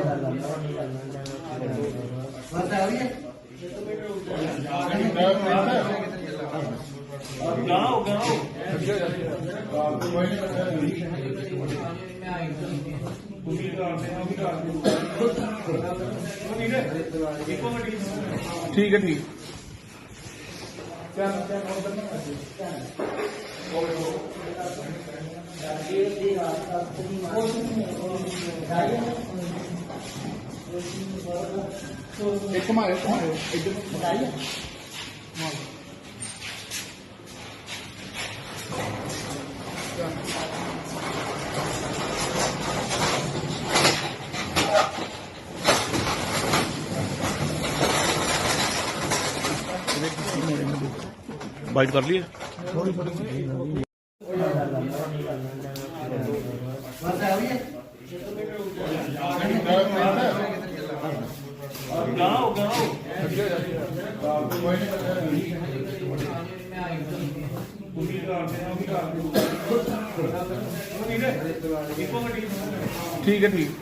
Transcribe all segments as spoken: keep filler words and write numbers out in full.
गाओ गाओ ठीक है ठीक एक मारे मारे इधर बाइट कर लिए थोड़ी थोड़ी गाओ गाओ ठीक है ठीक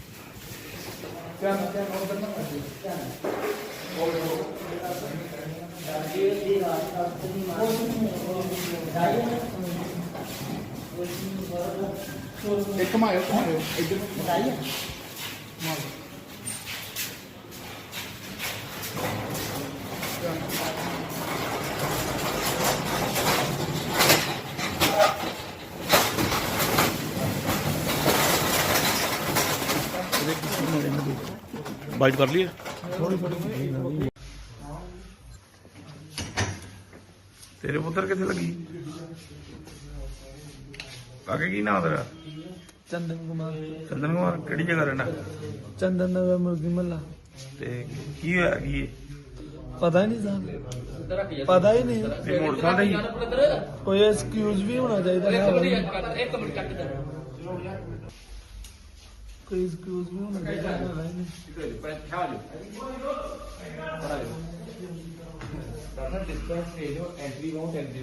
एक मारे मारे इधर बताइए बाइट कर लिए थोड़ी थोड़ी तेरे पुत्र कितने लगी काके की नाम तेरा चंदन कुमार चंदन कुमार केड़ी जगह रहना चंदन नगर मुर्गी महला ते की होया की पता ही नहीं साहब पता ही नहीं ते मोटरसाइकिल ही कोई एक्सक्यूज भी होना चाहिए कोई एक्सक्यूज भी होना चाहिए एंट्री वाउंट एंट्री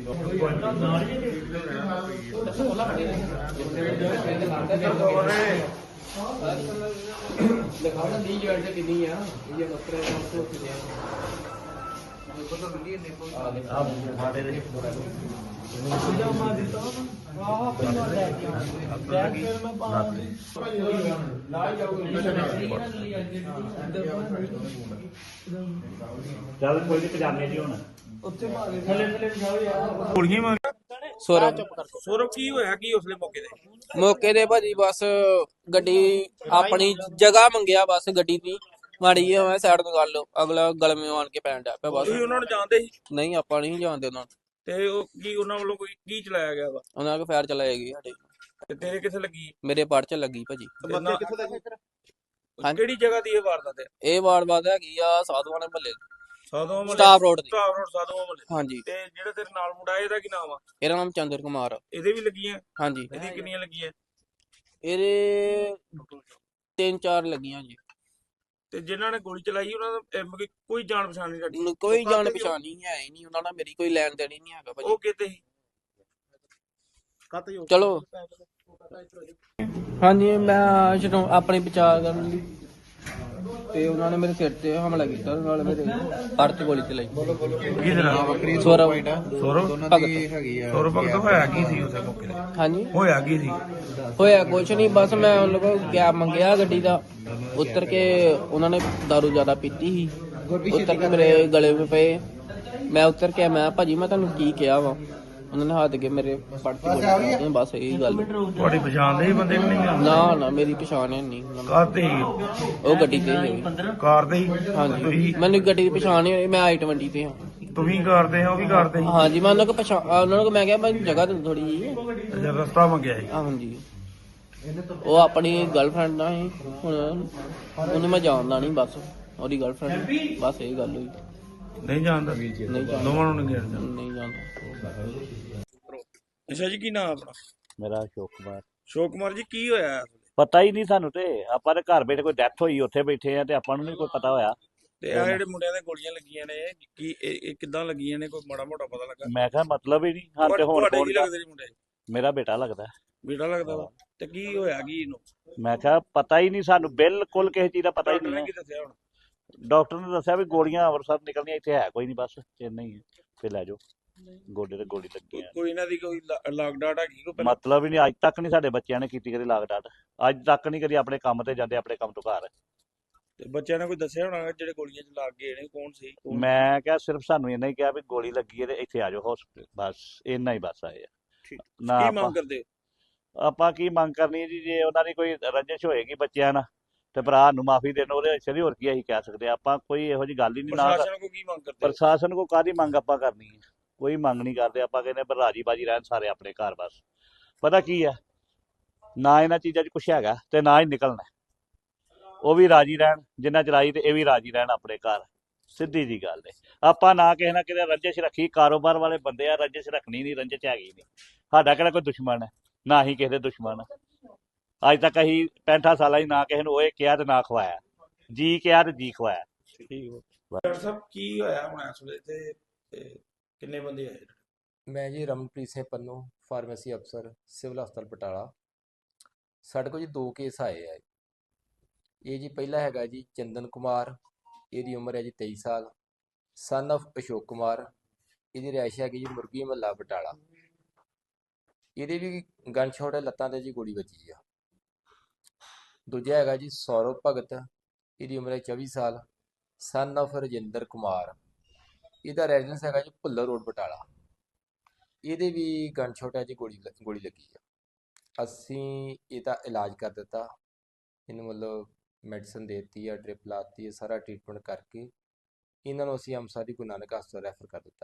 दिखाओ ना दी जो एंट्री कितनी है ये बकरे को देखो तो मिलिए देखो आप हमारे रे मार देता हूं वाह अपनी और बैठ फिर मैं पाऊं ला जाओगे ਚੱਲ ਕੋਈ ਨਹੀਂ ਪਜਾਮੇ ਜੀ ਹੁਣ ਉੱਥੇ ਮਾਰੇ ਥੱਲੇ ਥੱਲੇ ਜਾਓ ਯਾਰ ਗੋਲੀਆਂ ਮਾਰ ਸੌਰਵ ਸੌਰਵ ਕੀ ਹੋਇਆ ਕੀ ਉਸਲੇ ਮੌਕੇ ਤੇ ਮੌਕੇ ਦੇ ਭਾਜੀ ਬਸ ਗੱਡੀ ਆਪਣੀ ਜਗ੍ਹਾ ਮੰਗਿਆ ਬਸ ਗੱਡੀ ਦੀ ਮਾੜੀ ਜਿਹੀ ਮੈਂ ਸਾਈਡ ਤੋਂ ਕਰ ਲਓ ਅਗਲਾ ਗਲਮੇ ਆਣ ਕੇ ਪੈਣ ਡਿਆ ਪਿਆ ਬਸ ਤੁਸੀਂ ਉਹਨਾਂ ਨੂੰ ਜਾਣਦੇ ਸੀ ਨਹੀਂ ਆਪਾਂ ਨਹੀਂ ਜਾਣਦੇ ਉਹਨਾਂ ਨੂੰ ਤੇ ਉਹ ਕੀ ਉਹਨਾਂ ਵੱਲੋਂ ਕੋਈ ਕੀ ਚਲਾਇਆ ਗਿਆ ਵਾ ਉਹਨਾਂ ਕੋ ਫਾਇਰ ਚਲਾਏਗੀ ਸਾਡੇ ਤੇ ਤੇਰੇ ਕਿੱਥੇ ਲੱਗੀ ਮੇਰੇ ਪੜ ਚ ਲੱਗੀ ਭਾਜੀ ਕਿਹੜੀ ਜਗ੍ਹਾ ਦੀ ਇਹ ਵਾਰਦਾਤ ਹੈ ਇਹ ਵਾਰਦਾਤ ਹੈਗੀ ਆ ਸਾਧੂਆਂ ਦੇ ਮਹੱਲੇ ਸਾਧੂਆਂ ਮਹੱਲੇ ਸਟਾਫ ਰੋਡ ਦੀ ਸਟਾਫ ਰੋਡ ਸਾਧੂਆਂ ਮਹੱਲੇ ਹਾਂਜੀ ਤੇ ਜਿਹੜਾ ਤੇਰੇ ਨਾਲ ਮੁੰਡਾ ਇਹਦਾ ਕੀ ਨਾਮ ਆ ਇਹਦਾ ਨਾਮ ਚੰਦਰ ਕੁਮਾਰ ਆ। ਇਹਦੇ ਵੀ ਲੱਗੀਆਂ ਹਾਂਜੀ ਇਹਦੀ ਕਿੰਨੀਆਂ ਲੱਗੀਆਂ ਇਹਦੇ ਤਿੰਨ ਚਾਰ ਲੱਗੀਆਂ ਜੀ ਤੇ ਜਿਨ੍ਹਾਂ ਨੇ ਗੋਲੀ ਚਲਾਈ ਉਹਨਾਂ ਦਾ ਅਹ, ਮਤਲਬ ਕਿ ਕੋਈ ਜਾਣ ਪਛਾਣ ਨਹੀਂ ਸਾਡੀ ਮੈਨੂੰ ਕੋਈ ਜਾਣ ਪਛਾਣ ਨਹੀਂ ਹੈ ਹੀ ਨਹੀਂ ਉਹਨਾਂ ਨਾਲ ਮੇਰੀ ਕੋਈ ਲੈਣ ਦੇਣ ਹੀ ਨਹੀਂ ਹੈਗਾ ਭਾਜੀ ਉਹ ਕਿਤੇ ਸੀ ਚਲੋ ਹਾਂਜੀ ਮੈਂ ਜਦੋਂ ਆਪਣੀ ਬਚਾਅ ਕਰਨ ਲਈ ਤੇ ਉਹਨਾਂ ਨੇ ਮੇਰੇ ਸਿਰ ਤੇ ਹਮਲਾ ਕੀਤਾ ਨਾਲ ਮੇਰੇ ਪੜ ਤੇ ਗੋਲੀ ਚਲਾਈ ਕੀ ਤੇਰਾ ਸੌਰਵ ਸੌਰਵ ਭਗਤ ਸੌਰਵ ਭਗਤ ਹੋਇਆ ਕੀ ਸੀ ਉਸੇ ਮੌਕੇ ਤੇ ਹਾਂਜੀ ਹੋਇਆ ਕੀ ਸੀ ਹੋਇਆ ਕੁਛ ਨਹੀਂ ਬਸ ਮੈਂ ਉਹਨਾਂ ਕੋਲ ਕੈਬ ਮੰਗਿਆ ਗੱਡੀ ਦਾ ਉਤਰ ਕੇ ਉਹਨਾਂ ਨੇ ਦਾਰੂ ਜ਼ਿਆਦਾ ਪੀਤੀ ਸੀ ਉਤਰ ਕੇ ਮੇਰੇ ਗਲੇ 'ਤੇ ਪਏ ਮੈਂ ਉਤਰ ਕੇ ਮੈਂ ਭਾਜੀ ਮੈਂ ਤੁਹਾਨੂੰ ਕੀ ਕਿਹਾ ਵਾ ਉਹਨਾਂ ਨੇ ਹੱਥ ਕੇ ਮੇਰੇ ਪੜ ਤੇ ਗੋਲੀ ਬਸ ਇਹੀ ਗੱਲ ਤੁਹਾਡੀ ਪਛਾਣ ਦੇ ਬੰਦੇ ਵੀ ਨਹੀਂ ਆ ਨਾ ਨਾ ਮੇਰੀ ਪਛਾਣ ਹੈ ਨਹੀਂ ਕਾਰ ਤੇ ਉਹ ਗੱਡੀ ਤੇ ਹੀ ਕਾਰ ਤੇ ਹੀ ਹਾਂਜੀ ਤੁਸੀਂ ਮੈਨੂੰ ਗੱਡੀ ਦੀ ਪਛਾਣ ਨਹੀਂ ਹੋਈ ਮੈਂ ਆਈ ਟਵੰਟੀ ਤੇ ਹਾਂ ਤੁਸੀਂ ਕਰਦੇ ਹੋ ਉਹ ਵੀ ਕਰਦੇ ਸੀ ਹਾਂਜੀ ਮੈਂ ਉਹਨਾਂ ਕੋ ਪਛਾਣ ਉਹਨਾਂ ਨੂੰ ਮੈਂ ਕਿਹਾ ਮੈਨੂੰ ਜਗ੍ਹਾ ਦੇ ਥੋੜੀ ਜੀ ਅੱਛਾ ਰਸਤਾ ਮੰਗਿਆ ਸੀ ਹਾਂਜੀ ਉਹ ਆਪਣੀ ਗਰਲਫ੍ਰੈਂਡ ਨਾਲ ਸੀ ਹੁਣ ਉਹਨੂੰ ਮੈਂ ਜਾਣਦਾ ਨਹੀਂ ਬਸ ਉਹਦੀ ਗਰਲਫ੍ਰੈਂਡ ਬਸ ਇਹ ਗੱਲ ਹੋਈ ਨਹੀਂ ਜਾਣਦਾ ਨਹੀਂ ਜਾਣਦਾ ਦੋਵਾਂ ਨੂੰ ਨਹੀਂ ਜਾਣਦਾ ਨਹੀਂ ਜਾਣਦਾ ਅੱਛਾ ਜੀ ਕੀ ਨਾਮ ਆਪਣਾ ਮੇਰਾ ਅਸ਼ੋਕ ਕੁਮਾਰ ਸ਼ੋਕ ਕੁਮਾਰ ਜੀ ਕੀ ਹੋਇਆ ਪਤਾ ਹੀ ਨਹੀਂ ਸਾਨੂੰ ਤੇ ਆਪਾਂ ਦੇ ਘਰ ਬੈਠੇ ਕੋਈ ਡੈਥ ਹੋਈ ਉੱਥੇ ਬੈਠੇ ਆ ਤੇ ਆਪਾਂ ਨੂੰ ਨਹੀਂ ਕੋਈ ਪਤਾ ਹੋਇਆ ਤੇ ਆ ਜਿਹੜੇ ਮੁੰਡਿਆਂ ਦੇ ਗੋਲੀਆਂ ਲੱਗੀਆਂ ਨੇ ਕੀ ਇਹ ਇਹ ਕਿੱਦਾਂ ਲੱਗੀਆਂ ਨੇ ਕੋਈ ਮਾੜਾ ਮੋਟਾ ਪਤਾ ਲੱਗਾ ਮੈਂ ਕਿਹਾ ਮਤਲਬ ਹੀ ਨਹੀਂ ਹਾਂ ਤੇ ਹੁਣ ਤੁਹਾਡੇ ਕੌਣ ਕੀ ਲੱਗਦੇ ਨੇ ਮੁੰਡੇ ਮੇਰਾ ਬੇਟਾ ਲੱਗਦਾ ਬੇਟਾ ਲੱਗਦਾ ਵਾ ਤੇ ਕੀ ਹੋਇਆ ਕੀ ਇਹਨੂੰ ਮੈਂ ਕਿਹਾ ਪਤਾ ਹੀ ਨਹੀਂ ਸਾਨੂੰ, ਬਿਲਕੁਲ ਕਿਸੇ ਚੀਜ਼ ਦਾ ਪਤਾ ਹੀ ਡਾਕਟਰ ਨਹੀਂ ਨੇ ਹੈ। ਕੀ ਦੱਸਿਆ ਹੁਣ? ਡਾਕਟਰ ਨੇ ਦੱਸਿਆ ਵੀ ਗੋਲੀਆਂ ਅੰਮ੍ਰਿਤਸਰ ਨਿਕਲਣੀਆਂ, ਇੱਥੇ ਹੈ ਕੋਈ ਨਹੀਂ, ਬਸ ਇੰਨਾ ਹੀ ਹੈ, ਫਿਰ ਲੈ ਜਾਓ, ਗੋਡੇ ਤੇ ਗੋਲੀ ਲੱਗੀ ਕੋਈ- ਆ। ਕੋਈ ਇਹਨਾਂ ਦੀ ਕੋਈ ਲਾਗ ਡਾਟ ਹੈਗੀ ਕੋਈ ਪਹਿਲਾਂ? ਮਤਲਬ ਹੀ ਨਹੀਂ, ਅੱਜ ਤੱਕ ਨਹੀਂ ਸਾਡੇ ਬੱਚਿਆਂ ਨੇ ਕੀਤੀ ਕਦੀ ਲਾਗ ਡਾਟ, ਅੱਜ ਤੱਕ ਨਹੀਂ ਕਦੀ ਆਪਣੇ ਕੰਮ ਤੇ ਜਾਂਦੇ, ਆਪਣੇ ਕੰਮ ਤੋਂ ਘਰ। ਤੇ ਬੱਚਿਆਂ ਨੇ ਕੋਈ ਦੱਸਿਆ ਹੋਣਾ ਜਿਹੜੇ ਗੋਲੀਆਂ ਚ ਲੱਗ ਗਏ ਨੇ ਕੌਣ ਸੀ ਕੌਣ? ਮੈਂ ਕਿਹਾ ਸਿਰਫ ਸਾਨੂੰ ਇੰਨਾ ਹੀ ਕਿਹਾ ਵੀ ਗੋਲੀ ਲੱਗੀ ਹੈ ਤੇ ਇੱਥੇ ਆ ਜਾਓ ਹਸਪੀਟਲ, ਬਸ ਇੰਨਾ ਹੀ ਬਸ ਆਏ ਆ। ਠੀਕ। ਨਾ ਕੀ ਆਪਾਂ ਮੰਗ ਕਰਦੇ ਹੋ? ਆਪਾਂ ਕੀ ਮੰਗ ਕਰਨੀ ਹੈ ਜੀ, ਜੇ ਉਹਨਾਂ ਦੀ ਕੋਈ ਰੰਜਿਸ਼ ਹੋਏਗੀ ਬੱਚਿਆਂ ਨਾਲ ਤੇ ਭਰਾ ਨੂੰ ਮਾਫੀ ਦੇਣ, ਉਹਦੇ ਅਛਰੀ ਹੋਰ ਕੀ ਅਸੀਂ ਕਹਿ ਸਕਦੇ ਹਾਂ। ਆਪਾਂ ਕੋਈ ਇਹੋ ਜੀ ਗੱਲ ਹੀ ਨਹੀਂ, ਨਾ ਪ੍ਰਸ਼ਾਸਨ ਕੋ ਕੀ ਮੰਗ ਕਰਦੇ ਹੋ? ਪ੍ਰਸ਼ਾਸਨ ਕੋ ਕਾਹਦੀ ਮੰਗ ਆਪਾਂ ਕਰਨੀ ਹੈ, ਕੋਈ ਮੰਗ ਨਹੀਂ ਕਰਦੇ। ਆਪਾਂ ਕਹਿੰਦੇ ਪਰ ਰਾਜੀ ਬਾਜੀ ਰਹਿਣ ਸਾਰੇ ਆਪਣੇ ਘਰ, ਬਸ। ਪਤਾ ਕੀ ਆ, ਨਾ ਇਹਨਾਂ ਚੀਜ਼ਾਂ 'ਚ ਕੁਛ ਹੈਗਾ ਤੇ ਨਾ ਹੀ ਨਿਕਲਣਾ, ਉਹ ਵੀ ਰਾਜੀ ਰਹਿਣ ਜਿੰਨਾ ਚਲਾਈ ਤੇ ਇਹ ਵੀ ਰਾਜੀ ਰਹਿਣ ਆਪਣੇ ਘਰ, ਸਿੱਧੀ ਜੀ ਗੱਲ ਹੈ। ਆਪਾਂ ਨਾ ਕਿਸੇ ਨਾ ਕਿਤੇ ਰੰਜਿਸ਼ ਰੱਖੀ, ਕਾਰੋਬਾਰ ਵਾਲੇ ਬੰਦੇ ਆ, ਰੰਜਿਸ਼ ਰੱਖਣੀ ਨਹੀਂ, ਰੰਜਿਸ਼ ਹੈਗੀ ਨਹੀਂ। ਸਾਡਾ ਕਿਹੜਾ ਕੋਈ ਦੁਸ਼ਮਣ ਹੈ, ਨਾ ਹੀ ਕਿਸੇ ਦੇ ਦੁਸ਼ਮਣ। ਅੱਜ ਤੱਕ ਅਸੀਂ ਪੈਂਠਾਂ ਸਾਲਾਂ 'ਚ ਨਾ ਕਿਸੇ ਨੂੰ ਓਏ ਕਿਹਾ ਤੇ ਨਾ ਖਵਾਇਆ, ਜੀ ਕਿਹਾ ਤੇ ਜੀ ਖਵਾਇਆ। ਠੀਕ ਹੋ ਡਾਕਟਰ ਸਾਹਿਬ ਕੀ ਹੋਇਆ ਹੁਣ ਇਸ ਵੇਲੇ ਤੇ ਤੇ ਕਿੰਨੇ ਬੰਦੇ ਆਏ? ਮੈਂ ਜੀ ਰਮਨਪ੍ਰੀਤ ਸਿੰਘ ਪੰਨੂ, ਫਾਰਮੇਸੀ ਅਫਸਰ, ਸਿਵਲ ਹਸਪਤਾਲ ਬਟਾਲਾ। ਸਾਡੇ ਕੋਲ ਜੀ ਦੋ ਕੇਸ ਆਏ ਆ। ਇਹ ਜੀ ਪਹਿਲਾ ਹੈਗਾ ਜੀ ਚੰਦਨ ਕੁਮਾਰ, ਇਹਦੀ ਉਮਰ ਹੈ ਜੀ ਤੇਈ ਸਾਲ, ਸਨ of ਅਸ਼ੋਕ ਕੁਮਾਰ, ਇਹਦੀ ਰਿਹਾਇਸ਼ ਹੈਗੀ ਜੀ ਮੁਰਗੀ ਮਹੱਲਾ ਬਟਾਲਾ। ਇਹਦੇ ਵੀ ਗਨ ਸ਼ਾਟ ਹੈ, ਲੱਤਾਂ ਤੇ ਜੀ ਗੋਲੀ ਵੱਜੀ ਆ। ਦੂਜਾ ਹੈਗਾ ਜੀ ਸੌਰਵ ਭਗਤ, ਇਹਦੀ ਉਮਰ ਹੈ ਚੌਵੀ ਸਾਲ, ਸਨ of ਰਜਿੰਦਰ ਕੁਮਾਰ, ਇਹਦਾ ਰੈਜ਼ੀਡੈਂਸ ਹੈਗਾ ਜੀ ਭੁੱਲਰ ਰੋਡ ਬਟਾਲਾ। ਇਹਦੇ ਵੀ ਗਨ ਸ਼ਾਟ ਹੈ ਜੀ, ਗੋਲੀ ਲ- ਗੋਲੀ ਲੱਗੀ ਆ। ਅਸੀਂ ਇਹਦਾ ਇਲਾਜ ਕਰ ਦਿੱਤਾ, ਇਹਨੂੰ ਮਤਲਬ ਮੈਡੀਸਨ ਦੇ ਦਿੱਤੀ ਆ, ਡ੍ਰਿਪ ਲਾਤੀ ਹੈ, ਸਾਰਾ ਟ੍ਰੀਟਮੈਂਟ ਕਰਕੇ ਇਹਨਾਂ ਨੂੰ ਅਸੀਂ ਅੰਮ੍ਰਿਤਸਰ ਦੀ ਗੁਰੂ ਨਾਨਕ ਹਸਪਤਾਲ ਰੈਫਰ ਕਰ ਦਿੱਤਾ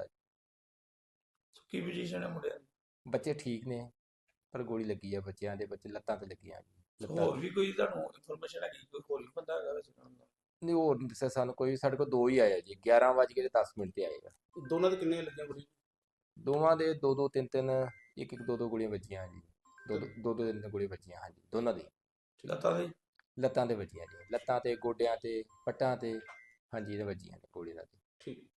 ਜੀ। ਕੀ ਪੋਜੀਸ਼ਨ ਹੈ ਮੁੰਡਿਆਂ ਦੀ? ਬੱਚੇ ਠੀਕ ਨੇ, ਪਰ ਗੋਲੀ ਲੱਗੀ ਆ ਬੱਚਿਆਂ ਦੇ, ਬੱਚੇ ਲੱਤਾਂ ਤੇ ਲੱਗੀਆਂ ਜੀ, ਲੱਤਾਂ ਹੋਰ ਵੀ ਕੋਈ ਤੁਹਾਨੂੰ ਇਨਫੋਰਮੇਸ਼ਨ ਹੈਗੀ ਕੋਈ ਹੋਰ ਵੀ ਬੰਦਾ ਹੈਗਾ ਵੈਸੇ ਨਾਲ ਦਾ? ਨਹੀਂ, ਹੋਰ ਨਹੀਂ ਦੱਸਿਆ ਸਾਨੂੰ ਕੋਈ। ਸਾਡੇ ਕੋਲ ਦੋ ਹੀ ਆਇਆ ਜੀ, ਗਿਆਰਾਂ ਵੱਜ ਕੇ ਦਸ ਮਿੰਟ ਤੇ ਆਏਗਾ। ਦੋਨਾਂ ਦੇ ਕਿੰਨੇ ਲੱਗੀਆਂ ਗੋਲੀ? ਦੋਵਾਂ ਦੇ ਦੋ ਦੋ ਤਿੰਨ ਤਿੰਨ, ਇੱਕ ਇੱਕ ਦੋ ਦੋ ਗੋਲੀਆਂ ਵੱਜੀਆਂ ਜੀ, ਦੋ ਦੋ ਦੋ ਦੋ ਤਿੰਨ ਤਿੰਨ ਗੋਲੀਆਂ ਵੱਜੀਆਂ ਹਾਂਜੀ, ਦੋਨਾਂ ਦੀ ਲੱਤਾਂ ਦੇ? ਲੱਤਾਂ ਤੇ ਵੱਜੀਆਂ ਜੀ, ਲੱਤਾਂ ਤੇ, ਗੋਡਿਆਂ ਤੇ, ਪੱਟਾਂ ਤੇ, ਹਾਂਜੀ ਇਹਦੇ ਵੱਜੀਆਂ ਨੇ ਗੋਲੀ ਨਾਲ। ਠੀਕ।